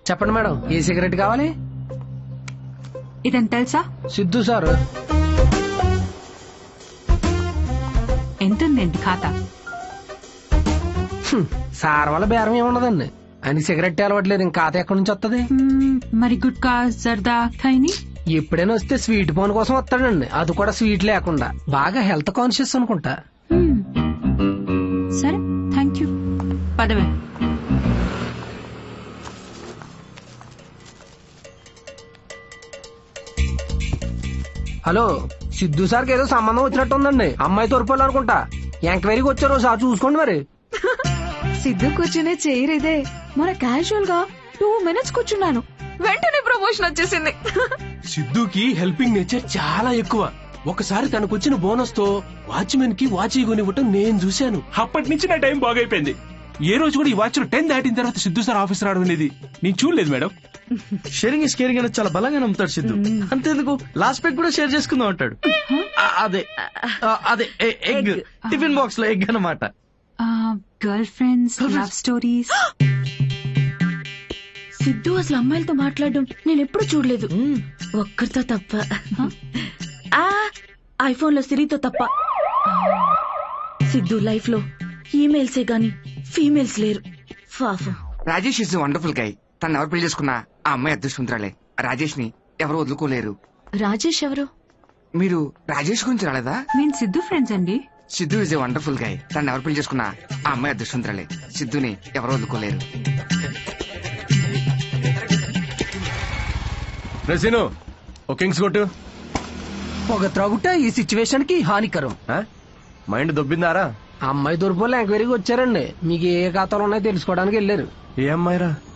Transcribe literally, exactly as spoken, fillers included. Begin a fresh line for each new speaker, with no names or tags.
చెప్పండి మేడం, ఏ సిగరెట్ కావాలి?
ఇదని తెలుసా?
సిద్ధు సార్.
ఎంతుందండి ఖాతా?
సార్ వల్ల బేరం ఏమున్నదండి, ఆయన సిగరెట్ అలవట్లేదు, ఇంకా ఖాతా ఎక్కడి నుంచి వస్తుంది?
మరి గుట్కా జర్దా ఖైని?
ఎప్పుడైనా వస్తే స్వీట్ పోన్ కోసం వస్తాడండి, అది కూడా స్వీట్ లేకుండా. బాగా హెల్త్ కాన్షియస్ అనుకుంటా.
సరే, థ్యాంక్ యూ. పదవే.
హలో, సిద్ధు సార్కి ఏదో సంబంధం వచ్చినట్టు ఉందండి, అమ్మాయి తోరుపోలు అనుకుంటా. ఎంక్వైరీకి వచ్చారు, సార్ చూసుకోండి మరి.
సిద్ధు కూర్చునే చైర్ ఇదే. మన క్యాజువల్ గా టూ మినిట్స్ కూర్చున్నాను, వెంటనే ప్రమోషన్ వచ్చేసింది.
సిద్ధుకి హెల్పింగ్ నేచర్ చాలా ఎక్కువ. ఒకసారి తనకొచ్చిన బోనస్ తో వాచ్మెన్ కి వాచ్ కొనివ్వటం నేను చూశాను. అప్పటి నుంచి నా టైం బాగైపోయింది. ఏ రోజు కూడా ఈ వాచ్ లో టెన్ దాటిన తర్వాత సిద్ధు సార్ ఆఫీస్ రావడం అనేది నేను చూడలేదు మేడం.
షేరింగ్ ఇస్ కేరింగ్ అనేది చాలా బలంగా నమ్ముతాడు సిద్ధు. అంతేందుకు లాస్ట్ పెగ్ కూడా షేర్ చేసుకుందాం అంటాడు. అదే అదే ఎగ్, టిఫిన్ బాక్స్ లో ఎగ్ అన్నమాట.
Girl friends, love stories.
Siddhu అసలు అమ్మాయిలతో మాట్లాడడం నేను ఎప్పుడు చూడలేదు, ఒక్కరితో తప్ప. ఐఫోన్ లో సిరితో తప్ప. సిద్ధు లైఫ్ లో ఈమెయిల్సే గాని ఫీమేల్స్ లేరు. పాపం.
Rajesh is wonderful guy. తను ఎవరు పెళ్లి చేసుకున్నా ఆ అమ్మాయి అదృష్టవంతురాలే. రాజేష్ ని ఎవరు వదులుకోలేరు.
రాజేష్ ఎవరు?
మీరు రాజేష్ గురించి రాలేదా?
మేము సిద్ధు ఫ్రెండ్స్ అండి.
Siddhu is a wonderful guy. తను ఎవరు పెళ్లి చేసుకున్నా ఆ అమ్మాయి అదృష్టవంతురాలే. సిద్ధుని ఎవరు వదులుకోలేరు.
రసీను ఓ కింగ్స్ కొట్టు.
పొగ త్రాగుట ఈ సిచ్యువేషన్ కి హానికరం.
మైండ్ దొబ్బిందారా?
అమ్మాయి తోరుపోలు ఎంక్వైరీకి వచ్చారండి, మీకు ఏ ఖాతాలు ఉన్నాయో తెలుసుకోవడానికి వెళ్ళారు.
ఏ అమ్మాయిరా?